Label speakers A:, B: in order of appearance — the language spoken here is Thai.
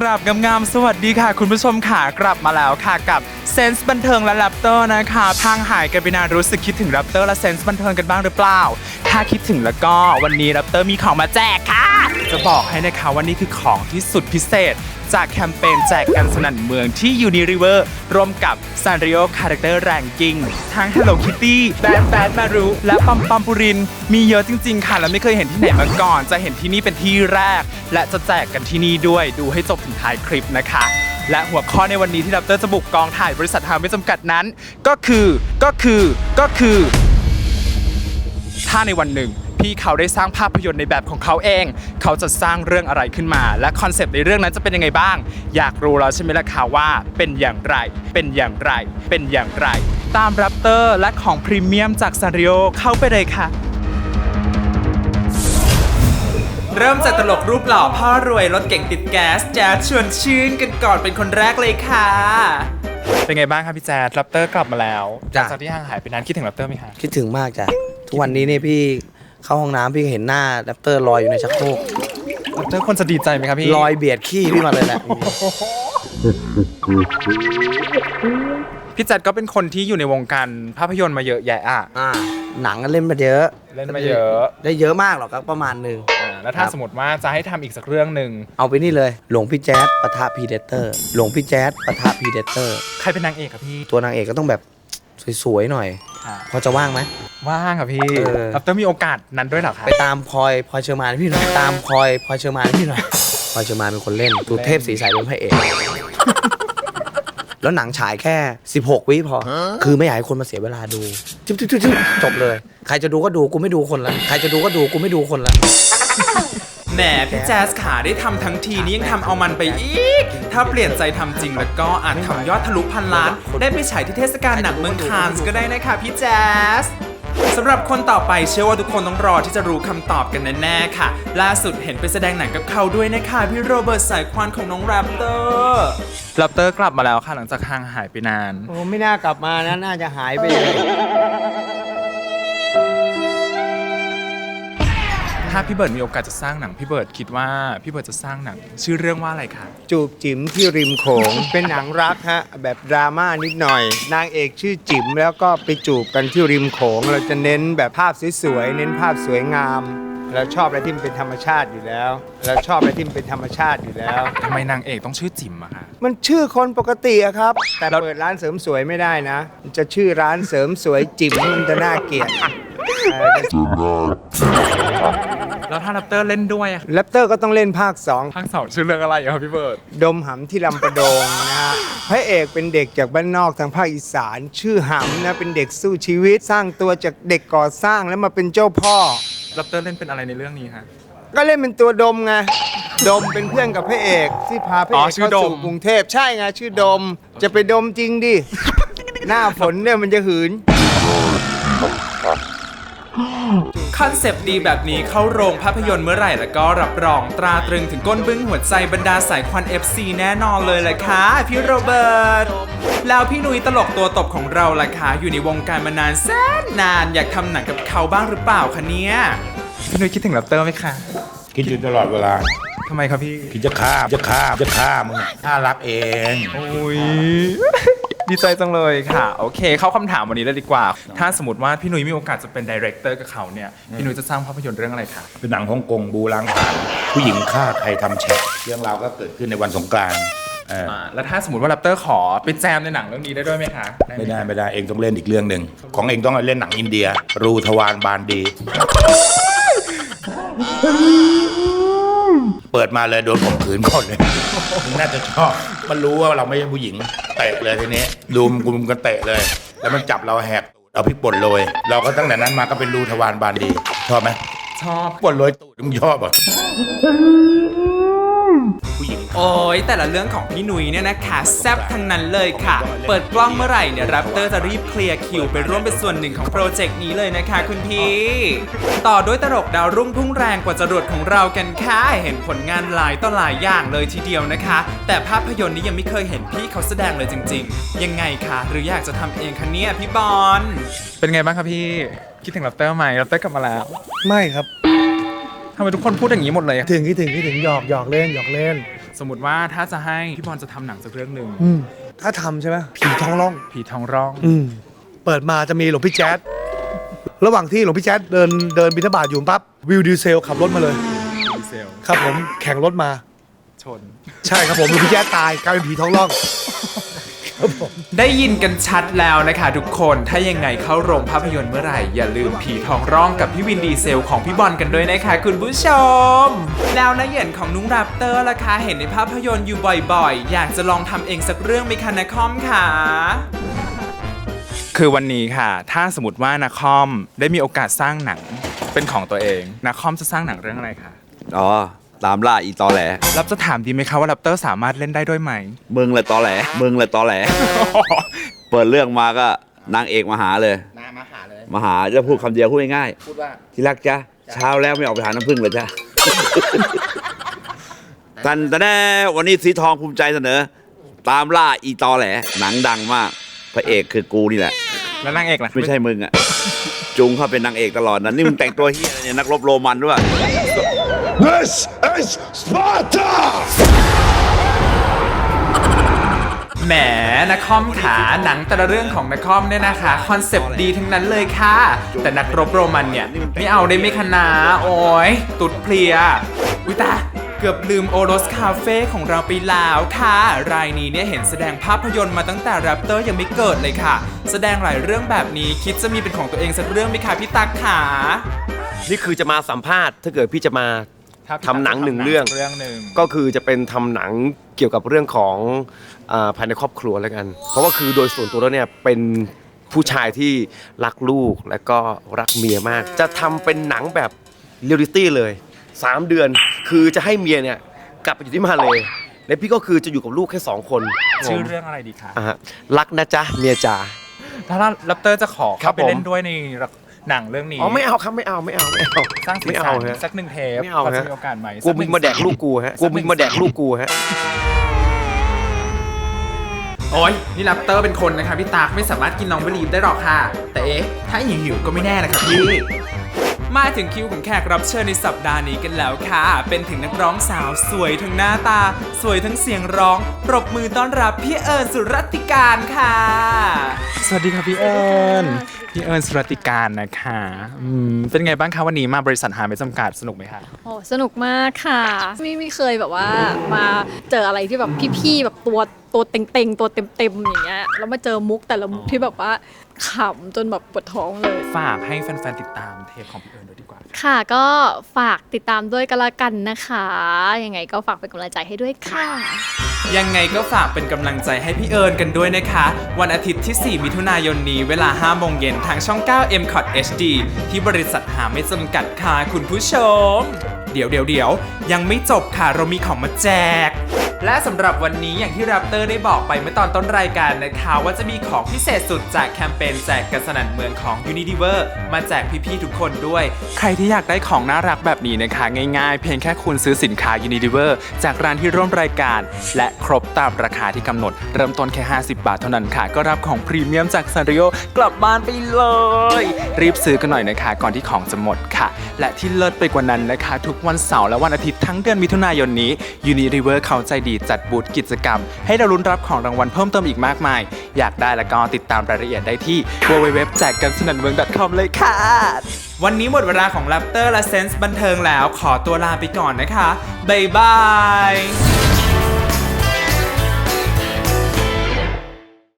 A: ราบงามๆสวัสดีค่ะคุณผู้ชมค่ะกลับมาแล้วค่ะกับเซนส์บันเทิงและแรปเตอร์นะคะทางหายกันไปนานรู้สึกคิดถึงแรปเตอร์และเซนส์บันเทิงกันบ้างหรือเปล่าถ้าคิดถึงแล้วก็วันนี้แรปเตอร์มีของมาแจกค่ะจะบอกให้นะคะว่านี่คือของที่สุดพิเศษจากแคมเปญแจกกันสนั่นเมืองที่ Unilever ร่วมกับ Sanrio Character Ranking ทั้ง Hello Kitty แบดมารุและปัมปัมปุรินมีเยอะจริงๆค่ะและไม่เคยเห็นที่ไหนมาก่อนจะเห็นที่นี่เป็นที่แรกและจะแจกกันที่นี่ด้วยดูให้จบถึงท้ายคลิปนะคะและหัวข้อในวันนี้ที่ดับเตอร์จะบุกกองถ่ายบริษัทฮาไม่จำกัดนั้นก็คือถ้าในวันหนึ่งพี่เขาได้สร้างภาพยนตร์ในแบบของเขาเองเขาจะสร้างเรื่องอะไรขึ้นมาและคอนเซปต์ในเรื่องนั้นจะเป็นยังไงบ้างอยากรู้แล้วใช่ไหมล่ะคะว่าเป็นอย่างไรตามแรปเตอร์และของพรีเมียมจากซาริโอเข้าไปเลยค่ะเริ่มจากตลกรูปหล่อพ่อรวยรถเก่งติดแก๊สแจ๊ดชวนชื่นกันก่อนเป็นคนแรกเลยค่ะเป็นไงบ้างครับพี่แจ๊ดแรปเตอร์กลับมาแล้วจากที่ห่างหายไปนานคิดถึงแรปเตอร์ไหมคะ
B: คิดถึงมากจ้ะทุกวันนี้เนี่ยพี่เข้าห้องน้ำพี่เห็นหน้าแรปเตอร์ลอยอยู่ในชักโครก
A: แรปเตอร์คนจะดีใจไหมครับพี่
B: ลอยเบียดขี้พี่มาเลยแหละ
A: พี่แจ๊ดก็เป็นคนที่อยู่ในวงการภาพยนตร์มาเยอะแยะ
B: หนังก็เล่นมาเยอะได้เยอะมากหรอกครับประมาณนึง
A: แล้วถ้าสมมติว่าจะให้ทำอีกสักเรื่องหนึ่ง
B: เอาไปนี่เลยหลวงพี่แจ๊ดปะทะพีเดเตอร์หลวงพี่แจ๊ดปะทะพีเดเตอร์
A: ใครเป็นนางเอกครับพี่
B: ตัวนางเอกก็ต้องแบบสวยๆหน่อยพอจะว่างไหม
A: ว่างครับพี่ครับต้องมีโอกาสนั้นด้วยเหรอครับ
B: ไปตามพลอยเชอร์มานพี่หน่อยตามพลอยเชอร์มานพี่หน่อยพลอยเชอร์มานเป็นคนเล่นตูเทพสีใสเป็นพระเอกแล้วหนังฉายแค่16 วิพอคือไม่อยากให้คนมาเสียเวลาดูจบเลยใครจะดูก็ดูกูไม่ดูคนละใครจะดูก็ดูกูไม่ดูคนละ
A: แหมพี่แจ๊สขาได้ทำทั้งทีนี้ยังทำเอามันไปอีกถ้าเปลี่ยนใจทำจริงแล้วก็อาจทำยอดทะลุพันล้านได้ไปฉายที่เทศกาลหนังเมืองคานส์ก็ได้นะคะพี่แจ๊สสำหรับคนต่อไปเชื่อว่าทุกคนต้องรอที่จะรู้คำตอบกันแน่ๆค่ะล่าสุดเห็นไปแสดงหนังกับเขาด้วยนะคะพี่โรเบิร์ตสายควันของน้องแรปเตอร์กลับมาแล้วค่ะหลังจากห่างหายไปนาน
B: โอ้ไม่น่ากลับมานะน่าจะหายไปเลย
A: ถ้าพี่เบิร์ดมีโอกาสจะสร้างหนังพี่เบิร์ดคิดว่าพี่เบิร์ดจะสร้างหนังชื่อเรื่องว่าอะไรคะ
C: จูบจิ๋มที่ริมโขง เป็นหนังรักฮะแบบดราม่านิดหน่อยนางเอกชื่อจิ๋มแล้วก็ไปจูบกันที่ริมโขงเราจะเน้นแบบภาพสวยๆเน้นภาพสวยงามเราชอบอะไรที่มันเป็นธรรมชาติอยู่แล้ว
A: ทำไมนางเอกต้องชื่อจิ๋มอะคะ
C: มันชื่อคนปกติอะครับแต่เปิดร้านเสริมสวยไม่ได้นะมันจะชื่อร้านเสริมสวยจิ๋มมันจะน่าเกลียด
A: แล้วถ้าแรปเตอร์เล่นด้วย
C: แรปเตอร์ก็ต้องเล่นภาค2
A: ชื่อเรื่องอะไรครับพี่เบิร์ด
C: ดมหำที่ลำประโดงนะฮะพระเอกเป็นเด็กจากบ้านนอกทางภาคอีสานชื่อหำนะเป็นเด็กสู้ชีวิตสร้างตัวจากเด็กก่อสร้างแล้วมาเป็นเจ้าพ่อ
A: แรปเตอร์เล่นเป็นอะไรในเรื่องนี้ฮะ
C: ก็เล่นเป็นตัวดมไงดมเป็นเพื่อนกับพระเอกที่พาพระเอกเข้าสู่กรุงเทพใช่ไงชื่อดมจะไปดมจริงดิหน้าฝนเนี่ยมันจะหืน
A: คอนเซปต์ดีแบบนี้เข้าโรงภาพยนตร์เมื่อไหร่แล้วก็รับรองตราตรึงถึงก้นบึ้งหัวใจบรรดาสายควัน FC แน่นอนเลยแหละค่ะพี่โรเบิร์ตแล้วพี่นุ้ยตลกตัวตบของเราล่ะคะอยู่ในวงการมานานแสนนานอยากทำหนังกับเขาบ้างหรือเปล่าคะเนี่ยพี่นุ้ยคิดถึงแรปเตอร์ไหมคะ
D: คิดอยู่ตลอดเวลา
A: ทำไมครับพี่
D: คิดจะฆ่ามึงน่ารักเอง
A: โอ้ยดีใจจังเลยค่ะโอเคเข้าคำถามวันนี้เลยดีกว่าถ้าสมมติว่าพี่นุ้ยมีโอกาสจะเป็นไดเรคเตอร์กับเขาเนี่ยพี่นุ้ยจะสร้างภาพยนตร์เรื่องอะไรคะ
D: เป็นหนังฮ่องกงบูล้างผ่านผู้หญิงฆ่าใครทำแฉกเรื่องราวก็เกิดขึ้นในวันสงกรานต์
A: แล้วถ้าสมมติว่าแรปเตอร์ขอไปแจมในหนังเรื่องนี้ได้ด้วยไหมคะ
D: ไม่ได้เองต้องเล่นอีกเรื่องหนึ่งของเองต้องเล่นหนังอินเดียรูทวารบานดีเปิดมาเลยโดนข่มขืนก่อนเลยมึงน่าจะชอบมันรู้ว่าเราไม่ใช่ผู้หญิงเตะเลยทีนี้ดูมันกันเตะเลยแล้วมันจับเราแหกตูดเอาพริกป่นโรยเราก็ตั้งแต่นั้นมาก็เป็นรูทวารบานดีชอบไหม
A: ชอบ
D: ป่นโรยตูดมึงชอบอ่ะ
A: ผู้หญิงโอ้ยแต่ละเรื่องของพี่นุ้ยเนี่ยนะคะแซ่บทั้งนั้นเลยค่ะเปิดกล้องเมื่อไหร่เนี่ยแรปเตอร์จะรีบเคลียร์คิวไปร่วมเป็นส่วนหนึ่งของโปรเจกต์นี้เลยนะคะคุณพี่ต่อด้วยตลกดาวรุ่งพุ่งแรงกว่าจรวดของเรากันค่ะเห็นผลงานหลายต่อหลายอย่างเลยทีเดียวนะคะแต่ภาพยนตร์นี้ยังไม่เคยเห็นพี่เขาแสดงเลยจริงๆยังไงคะหรืออยากจะทำเองคะเนี่ยพี่บอลเป็นไงบ้างครับพี่คิดถึงแรปเตอร์ไหมแรปเตอร์กลับมาแล้ว
B: ไม่ครับ
A: ทำไมทุกคนพูดอย่างนี้หมดเลย
B: คิดถึงหยอกเล่น
A: สมมติว่าถ้าจะให้พี่บอลจะทำหนังสักเรื่องหนึ่ง
B: ถ้าทำใช่ไหมผีท้องร่อง
A: ผีท้องร้อง
B: เปิดมาจะมีหลวงพี่แจ๊ดระหว่างที่หลวงพี่แจ๊ดเดินบิณฑบาตอยู่ปั๊บวิวดีเซลขับรถมาเลย
A: ดีเซล
B: ครับผมแข่งรถมา
A: ชน
B: ใช่ครับผมหลวงพี่แจ๊ดตายกลายเป็นผีท้องร่อง
A: ได้ยินกันชัดแล้วนะคะทุกคนถ้ายังไงเข้าโรงภาพยนตร์เมื่อไหร่อย่าลืมผีทองร้องกับพี่วินดีเซลของพี่บอลกันด้วยนะคะคุณผู้ชม แล้วนะเหยียนของนุ้งแรปเตอร์ล่ะคะเห็นในภาพยนตร์อยู่บ่อยๆ อยากจะลองทำเองสักเรื่องไหมคะนะคอมค่ะคือวันนี้ค่ะ ถ้าสมมติว่านะคอมได้มีโอกาสสร้างหนังเป็นของตัวเองนะคอมจะสร้างหนังเรื่องอะไรคะ
E: อ๋อ ตามล่าอีตอแหล
A: รับจะถามดีไหมคะว่าแรปเตอร์สามารถเล่นได้ด้วยไหม
E: มึงเลยตอแหล มึงเลยตอแหล เปิดเรื่องมาก็นางเอกมาหาเลย มาหาจะพูดคำเดียวพูดง่ายๆพูดว่าที่รักจ้ะเช้าแล้วไม่ออกไปหาน้ำผึ้งเลยจ้ะ กันแต่แน่วันนี้สีทองภูมิใจเสนอ ตามล่าอีตอแหล หนังดังมาก พระเอกคือกูนี่แหละ
A: แล้วนางเอกล่ะ
E: ไม่ใช่มึงอ่ะ จุงเข้าเป็นนางเอกตลอดนะนี่มึงแต่งตัวเฮียอะไรเนี่ยนักรบโรมันด้วย
F: This is Sparta!
A: แหมนักคอมขาหนังแต่ละเรื่องของนักคอมเนี่ยนะคะคอนเซปต์ดีทั้งนั้นเลยค่ะ แต่นักรบโรมันเนี่ยไม่เอาได้ไหมคะนาโอ้ยตุดเพลียอุยตาเกือบลืมโอโรสคาเฟ่ของเราไปแล้วค่ะ รายนี้เนี่ยเห็นแสดงภาพยนตร์มาตั้งแต่แรปเตอร์ยังไม่เกิดเลยค่ะ แสดงหลายเรื่องแบบนี้คิดจะมีเป็นของตัวเองสักเรื่องไหมคะพี่ตั๊กขา
G: นี่คือจะมาสัมภาษณ์ถ้าเกิดพี่จะมาทำหนังหนึ่งเรื่อง
A: หนึ่ง
G: ก็คือจะเป็นทำหนังเกี่ยวกับเรื่องของภายในครอบครัวแล้วกัน เพราะว่าคือโดยส่วนตัวแล้วเนี่ยเป็นผู้ชายที่รักลูกและก็รักเมียมาก จะทำเป็นหนังแบบเรียลลิตี้เลย 3 เดือน คือจะให้เมียเนี่ยกลับไปอยู่ที่มาเลยและพี่ก็คือจะอยู่กับลูกแค่2 คน
A: ชื่อเรื่องอะไรดีคะ
G: ฮะรักนะจ๊ะเมียจ๋า
A: ถ้าแรปเตอร์จะขอ
G: ครั
A: เข้า
G: บ
A: ไป
G: ผม
A: เล่นด้วยในหนังเรื่องนี้
G: อ๋อไม่เอาครับไม่เอา
A: สร้างสี
G: ไม่
A: สั
G: เอา
A: น
G: ฮะ
A: สักหนึ่งเทป
G: ไม่เอา
A: พอจะ
G: ฮะ
A: มีโอกาสไหม
G: กลัวมึงมาแดกลูกกูฮะกลัวมึงมาแดกลูกกูฮะ
A: โอ้ยนี่แรปเตอร์เป็นคนนะคะพี่ตากไม่สามารถกินน้องบลีฟได้หรอกค่ะ แต่เอ๊ะถ้าหิวๆก็ไม่แน่นะครับพี่ มาถึงคิวของแขกรับเชิญในสัปดาห์นี้กันแล้วค่ะ เป็นถึงนักร้องสาวสวยทั้งหน้าตา สวยทั้งเสียงร้อง ปรบมือต้อนรับพี่เอิญสุรัตติการค่ะ สวัสดีค่ะพี่เอิญพี่เอิญสุรัตติการนะคะเป็นไงบ้างคะวันนี้มาบริษัทหาไม่จำกัดสนุกไหมคะ
H: โอ้สนุกมากค่ะไม่เคยแบบว่ามาเจออะไรที่แบบพี่ๆแบบตัวเต็งๆตัวเต็มๆอย่างเงี้ยแล้วมาเจอมุกแต่ละมุกที่แบบว่าขำจนแบบปวดท้องเลย
A: ฝากให้แฟนๆติดตามเทปของพี่เอิญด้วยดีกว่า
H: ค่ะก็ฝากติดตามด้วยกันละกันนะคะยังไงก็ฝากเป็นกำลังใจให้ด้วยค่ะ
A: ยังไงก็ฝากเป็นกำลังใจให้พี่เอิญกันด้วยนะคะ วันอาทิตย์ที่ 4 มิถุนายนนี้เวลา 5 โมงเย็นทางช่อง 9 MCOT HD ที่บริษัทหาไม่จำกัดค่ะคุณผู้ชม เดี๋ยวยังไม่จบค่ะเรามีของมาแจก และสำหรับวันนี้อย่างที่แรปเตอร์ได้บอกไปเมื่อตอนต้นรายการนะคะว่าจะมีของพิเศษสุดจากแคมเปญแจกกันสนั่นเมืองของ Unilever มาแจกพี่ๆทุกคนด้วย ใครที่อยากได้ของน่ารักแบบนี้นะคะง่ายๆ เพียงแค่คุณซื้อสินค้า Unilever จากร้านที่ร่วมรายการ และครบตามราคาที่กำหนดเริ่มต้นแค่50 บาทเท่านั้นค่ะก็รับของพรีเมียมจากซันริโอกลับบ้านไปเลย รีบซื้อกันหน่อยนะคะก่อนที่ของจะหมดค่ะ และที่เลิศไปกว่านั้นนะคะทุกวันเสาร์และวันอาทิตย์ทั้งเดือนมิถุนายนนี้ Unilever เขาใจดีจัดบูธกิจกรรม ให้เราลุ้นรับของรางวัลเพิ่มเติมอีกมากมาย อยากได้แล้วก็ติดตามรายละเอียดได้ที่ www แจกกันสนั่นเมือง .com เลยค่ะ วันนี้หมดเวลาของแรปเตอร์และเซนส์บันเทิงแล้วขอตัวลาไปก่อนนะคะบ๊ายบาย